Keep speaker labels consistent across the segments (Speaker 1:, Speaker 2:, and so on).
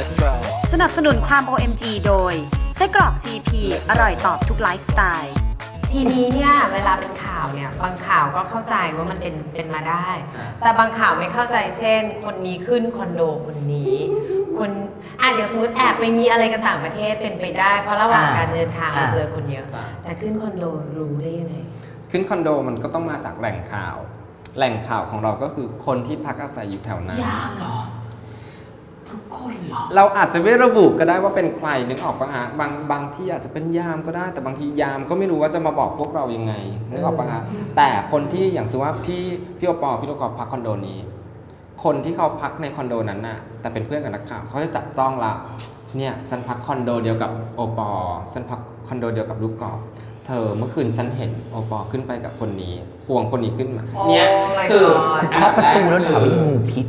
Speaker 1: สนับสนุนความ OMG โดยไส้กรอก CP อร่อยตอบทุกไลฟ์สไตล์
Speaker 2: ทีนี้เนี่ยเวลาเป็นข่าวเนี่ยบางข่าวก็เข้าใจว่ามันเป็นมาได้แต่บางข่าวไม่เข้าใจเช่นคนนี้ขึ้นคอนโดคนนี้คนอย่างสมมติแอบไปมีอะไรกันต่างประเทศเป็นไปได้เพราะระหว่างการเดินทางเราเจอคนเยอะแต่ขึ้นคอนโดรู้ได้ยังไง
Speaker 3: ขึ้นคอนโดมันก็ต้องมาจากแหล่งข่าวของเราก็คือคนที่พักอาศัยอยู่แถวนั้น
Speaker 2: ยามหรอทุกคนหรอ
Speaker 3: เราอาจจะไม่ระบุก็ได้ว่าเป็นใครนึกออกปะฮะบางที่อาจจะเป็นยามก็ได้แต่บางทียามก็ไม่รู้ว่าจะมาบอกพวกเรายังไงนึกออกปะฮะแต่คนที่อย่างสมมติว่าพี่โอปอพี่ลูกกอล์ฟพักคอนโดนี้คนที่เขาพักในคอนโดนั้นน่ะแต่เป็นเพื่อนกับนักข่าวเขาจะจับจ้องละเนี่ยฉันพักคอนโดเดียวกับโอปอฉันพักคอนโดเดียวกับลูกกอล์ฟเธอเมื่อคืนฉันเห็นโอปอขึ้นไปกับคนนี้ควงคนนี้ขึ้นมาเนี่ยคือ
Speaker 4: เคาะประตูแล้วถามว่างูพิษ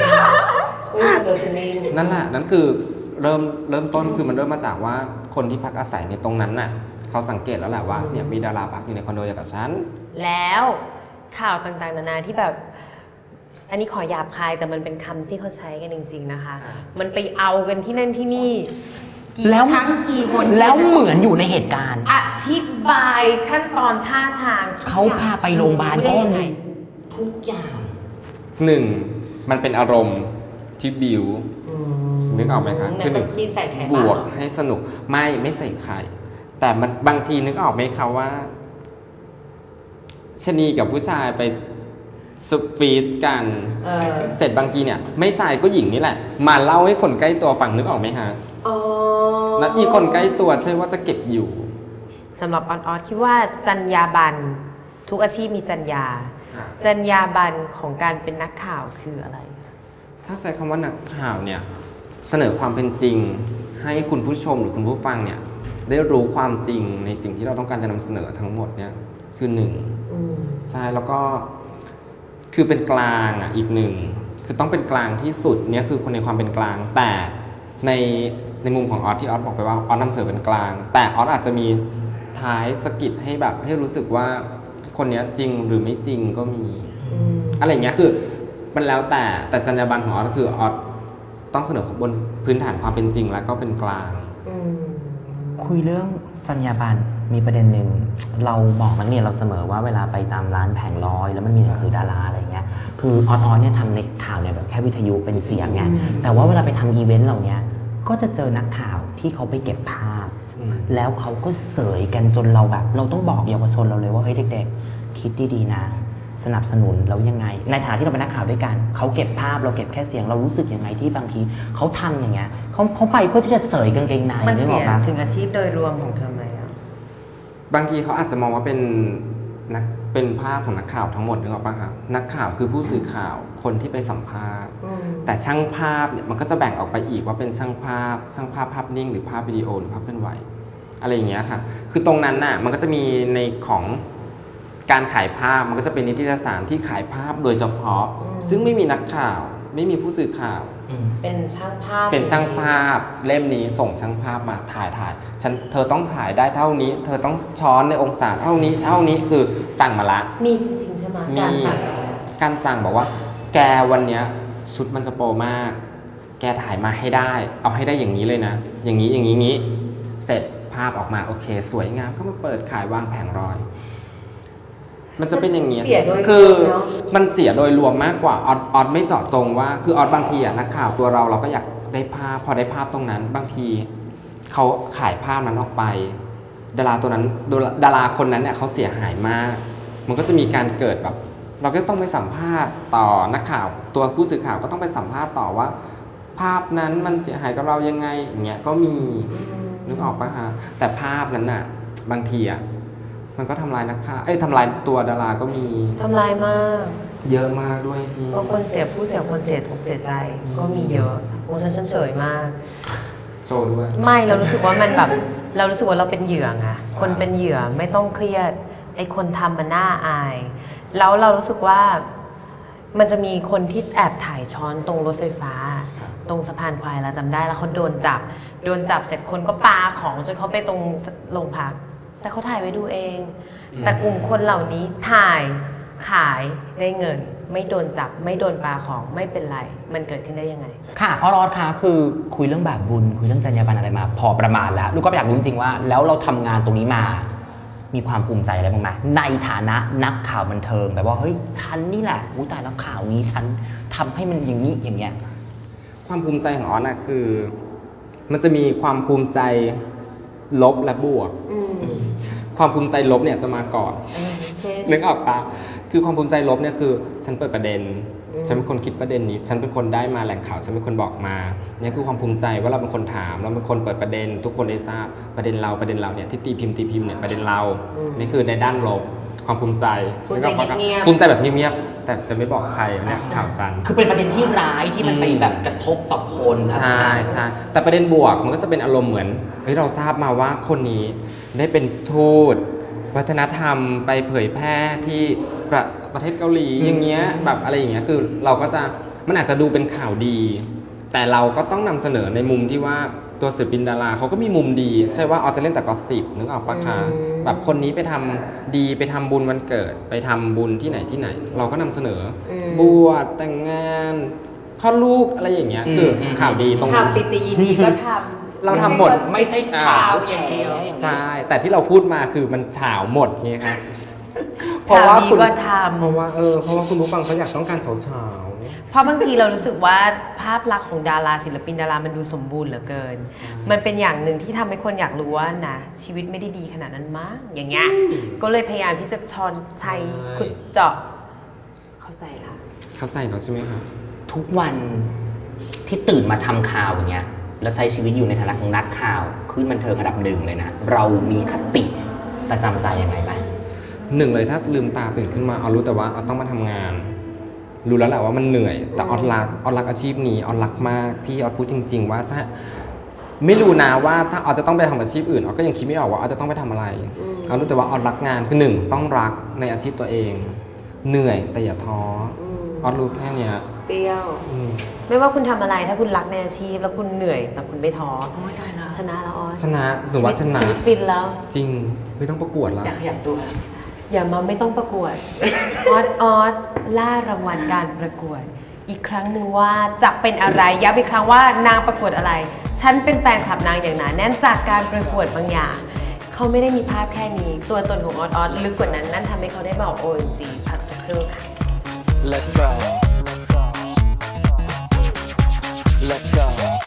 Speaker 3: นั่นแหละนั่นคือเริ่มต้นคือมันเริ่มมาจากว่าคนที่พักอาศัยในตรงนั้นน่ะเขาสังเกตแล้วแหละว่าเนี่ยมีดาราพักอยู่ในคอนโดเดียวกับฉัน
Speaker 2: แล้วข่าวต่างๆนานาที่แบบอันนี้ขอหยาบคายแต่มันเป็นคำที่เขาใช้กันจริงๆนะคะมันไปเอากันที่นั่นที่นี่
Speaker 4: แล้วทั้งกี่คนแล้วเหมือนอยู่ในเหตุการณ์
Speaker 2: อธิบายขั้นตอนท่าทาง
Speaker 4: เขาพาไปโรงพยาบาลก็มีทุกอย่าง
Speaker 3: มันเป็นอารมณ์ที่บิวนึกออกไหมคะคือบวกให้สนุกไม่ใส่ไข่แต่มันบางทีนึกออกไหมคะว่าชนีกับผู้ชายไปสุฟีดกันเสร็จบางทีเนี่ยไม่ชายก็หญิงนี่แหละมาเล่าให้คนใกล้ตัวฟังนึกออกไหมฮะแล้วอีคนใกล้ตัวใช่ว่าจะเก็บอยู่
Speaker 2: สำหรับออสคิดว่าจรรยาบรรณทุกอาชีพมีจรรยาบรรณของการเป็นนักข่าวคืออะไร
Speaker 3: ถ้าใช้คำว่านักข่าวเนี่ยเสนอความเป็นจริงให้คุณผู้ชมหรือคุณผู้ฟังเนี่ยได้รู้ความจริงในสิ่งที่เราต้องการจะนำเสนอทั้งหมดเนี่ยคือหนึ่งใช่แล้วก็คือเป็นกลางอีกหนึ่งคือต้องเป็นกลางที่สุดเนี่ยคือคนในความเป็นกลางแต่ในมุมของออสที่ออสบอกไปว่าออสนำเสนอเป็นกลางแต่ออสอาจจะมีท้ายสกิดให้แบบให้รู้สึกว่าคนนี้จริงหรือไม่จริงก็มีอะไรอย่างเงี้ยคือมันแล้วแต่จรรยาบรรณของออสก็คือออสต้องเสนอบนพื้นฐานความเป็นจริงแล้วก็เป็นกลาง
Speaker 4: คุยเรื่องจรรยาบรรณมีประเด็นหนึ่งเราบอกนักเรียนเราเสมอว่าเวลาไปตามร้านแผงลอยแล้วมันมีหนังสือดาราอะไรเงี้ยคือออสเนี่ยทำในข่าวเนี่ยแบบแค่วิทยุเป็นเสียงไงแต่ว่าเวลาไปทำอีเวนต์เหล่านี้ก็จะเจอนักข่าวที่เขาไปเก็บภาพแล้วเขาก็เสยกันจนเราแบบเราต้องบอกเยาวชนเราเลยว่าเฮ้ยเด็กๆคิดดีๆนะสนับสนุนแล้วยังไงในฐานะที่เราเป็นนักข่าวด้วยกันเขาเก็บภาพเราเก็บแค่เสียงเรารู้สึกยังไงที่บางทีเขาทำอย่างเงี้ยเขาไปเพื่อที่จะเสยกางเกงใน
Speaker 2: มันเสียถึงอาชีพโดยรวมของเธอไหม
Speaker 3: บางทีเขาอาจจะมองว่าเป็นภาพของนักข่าวทั้งหมดนึกออกป่ะครับนักข่าวคือผู้สื่อข่าวคนที่ไปสัมภาษณ์แต่ช่างภาพเนี่ยมันก็จะแบ่งออกไปอีกว่าเป็นช่างภาพภาพนิ่งหรือภาพวิดีโอหรือภาพเคลื่อนไหวอะไรอย่างเงี้ยค่ะคือตรงนั้นน่ะมันก็จะมีในของการขายภาพมันก็จะเป็นนิตยสารที่ขายภาพโดยเฉพาะซึ่งไม่มีนักข่าวไม่มีผู้สื่อข่าว
Speaker 2: เป็นช่างภาพ
Speaker 3: เล่มนี้ส่งช่างภาพมาถ่ายเธอต้องถ่ายได้เท่านี้เธอต้องช้อนในองศาเท่านี้คือสั่งมาละ
Speaker 2: มีจริงๆใช่ไหม
Speaker 3: การสั่งบอกว่าแกวันเนี้ยชุดมันจะโปรมากแกถ่ายมาให้ได้เอาให้ได้อย่างนี้เลยนะอย่างนี้เสร็จภาพออกมาโอเคสวยงามก็มาเปิดขายวางแผงรอยมันจะเป็นอย่างนี้คือมันเสียโดยรวมมากกว่าออสไม่เจาะจงว่าคือออสบางทีนักข่าวตัวเราก็อยากได้ภาพพอได้ภาพตรงนั้นบางทีเขาขายภาพนั้นออกไปดาราคนนั้นเนี่ยเขาเสียหายมากมันก็จะมีการเกิดแบบเราก็ต้องไปสัมภาษณ์ต่อนักข่าวตัวผู้สื่อข่าวก็ต้องไปสัมภาษณ์ต่อว่าภาพนั้นมันเสียหายกับเรายังไงอย่างเงี้ยก็มีนึกออกปะฮะแต่ภาพนั้นน่ะบางทีมันก็ทำลายนักข่าวทำลายตัวดาราก็มี
Speaker 2: ทำลายมาก
Speaker 3: เยอะมากด้วยพี่
Speaker 2: บางคนเสียผู้เสียคนเสียอกเสียใจก็มีเยอะโอ้ฉันเฉยมาก
Speaker 3: โชว์ด้วย
Speaker 2: ไม่เรารู้สึกว่ามันแบบเรารู้สึกว่าเราเป็นเหยื่อไงคนเป็นเหยื่อไม่ต้องเครียดไอ้คนทำมันน่าอายแล้วเรารู้สึกว่ามันจะมีคนที่แอบถ่ายช้อนตรงรถไฟฟ้าตรงสะพานควายเราจำได้แล้วเขาโดนจับเสร็จคนก็ปาของจนเขาไปตรงโรงพักแต่เขาถ่ายไว้ดูเองแต่กลุ่มคนเหล่านี้ถ่ายขายได้เงินไม่โดนจับไม่โดนปลาของไม่เป็นไรมันเกิดขึ้นได้ยังไง
Speaker 4: ค่ะออสค่ะคือคุยเรื่องแบบบุญคุยเรื่องจรรยาบรรณอะไรมาพอประมาณแล้วลูกก็อยากรู้จริงๆว่าแล้วเราทำงานตรงนี้มามีความภูมิใจอะไรบ้างไหมในฐานะนักข่าวบันเทิงแบบว่าเฮ้ยฉันนี่แหละอุ้ยตายแล้วข่าวนี้ฉันทำให้มันอย่างนี้อย่างเงี้ย
Speaker 3: ความภูมิใจของออสนะคือมันจะมีความภูมิใจลบและบวกความภูมิใจลบเนี่ยจะมาก่อนนึกออกปะคือความภูมิใจลบเนี่ยคือฉันเปิดประเด็นฉันเป็นคนคิดประเด็นนี้ฉันเป็นคนได้มาแหล่งข่าวฉันเป็นคนบอกมาเนี่ยคือความภูมิใจว่าเราเป็นคนถามเราเป็นคนเปิดประเด็นทุกคนได้ทราบประเด็นเราเนี่ยที่ตีพิมพ์เนี่ยประเด็นเรานี่คือในด้านลบความภูมิใจ
Speaker 2: ภูมิใจเงียบ
Speaker 3: ภูมิใจแบบเงียบๆแต่จะไม่บอกใครเนี่ยข่าวสั้น
Speaker 4: คือเป็นประเด็นที่ร้ายที่มันไปแบบกระทบต่อคน
Speaker 3: ใช่ใช่แต่ประเด็นบวกมันก็จะเป็นอารมณ์เหมือนเฮ้ยเราทราบมาว่าคนนี้ได้เป็นทูตวัฒนธรรมไปเผยแพร่ที่ประเทศเกาหลีอย่างเงี้ยแบบอะไรอย่างเงี้ยคือเราก็จะมันอาจจะดูเป็นข่าวดีแต่เราก็ต้องนำเสนอในมุมที่ว่าตัวศิลปินดาราเขาก็มีมุมดีใช่ว่าเอาจะเล่นแต่กอสซิปนึกออกปะคะแบบคนนี้ไปทำดีไปทำบุญวันเกิดไปทำบุญที่ไหนเราก็นำเสนอบวชแต่งงานคลอดลูกอะไรอย่างเงี้ยคือข่าวดีตรง
Speaker 2: ข่าวปิติยินดีก็ทำ
Speaker 3: เราทำหมด
Speaker 4: ไม่ใช่ข่าวแฉ
Speaker 3: ใช่แต่ที่เราพูดมาคือมันฉาวหมดไงครับ
Speaker 2: เพราะว่าคุณก็ทำ
Speaker 3: เพราะว่าคุณผู้ฟังเขาอยากต้องการฉาว
Speaker 2: เพราะบางทีเรารู้สึกว่าภาพลักษณ์ของดาราศิลปินดารามันดูสมบูรณ์เหลือเกินมันเป็นอย่างหนึ่งที่ทำให้คนอยากรู้ว่านะชีวิตไม่ได้ดีขนาดนั้นมั้งอย่างเงี้ยก็เลยพยายามที่จะช้อนชัยขุดเจาะเข้าใจละ
Speaker 3: เข้าใจเนาะใช่ไหมครับ
Speaker 4: ทุกวันที่ตื่นมาทำข่าวอย่างเงี้ยแล้วใช้ชีวิตอยู่ในฐานะของนักข่าวขึ้นบันเทิงอันดับหนึ่งเลยนะเรามีคติประจำใจยังไงบ้าง
Speaker 3: หนึ่งเลยถ้าลืมตาตื่นขึ้นมาเอารู้แต่ว่าเอาต้องมาทำงานรู้แล้วแหละว่ามันเหนื่อยแต่ออดรักอาชีพนี้ออดรักมากพี่ออดพูดจริงๆว่าถ้าไม่รู้นะว่าถ้าออดจะต้องไปทำอาชีพอื่นออดก็ยังคิดไม่ออกว่าออดจะต้องไปทำอะไรออดรู้แต่ว่าออดรักงานคือหนึ่งต้องรักในอาชีพตัวเองเหนื่อยแต่อย่าท้อออดรู้แค่เนี้ย
Speaker 2: เปรี้ยวไม่ว่าคุณทำอะไรถ้าคุณรักในอาชีพแล้วคุณเหนื่อยแต่คุณไม่ท้อชนะแล้วออด
Speaker 3: ชนะหนูว่าชนะ
Speaker 2: ชีวิตฟินแล้ว
Speaker 3: จริงไม่ต้องประกวดแล้ว
Speaker 4: อยากขยับตัว
Speaker 2: อย่ามาไม่ต้องประกวดออดล่ารางวัลการประกวดอีกครั้งหนึ่งว่าจะเป็นอะไรย้ำอีกครั้งว่านางประกวดอะไรฉันเป็นแฟนคลับนางอย่างหนาแน่นจากการประกวดบางอย่างเขาไม่ได้มีภาพแค่นี้ตัวตนของออดลึกกว่านั้นนั่นทำให้เขาได้บอก OMG พักสักครู่ค่ะ
Speaker 5: Let's go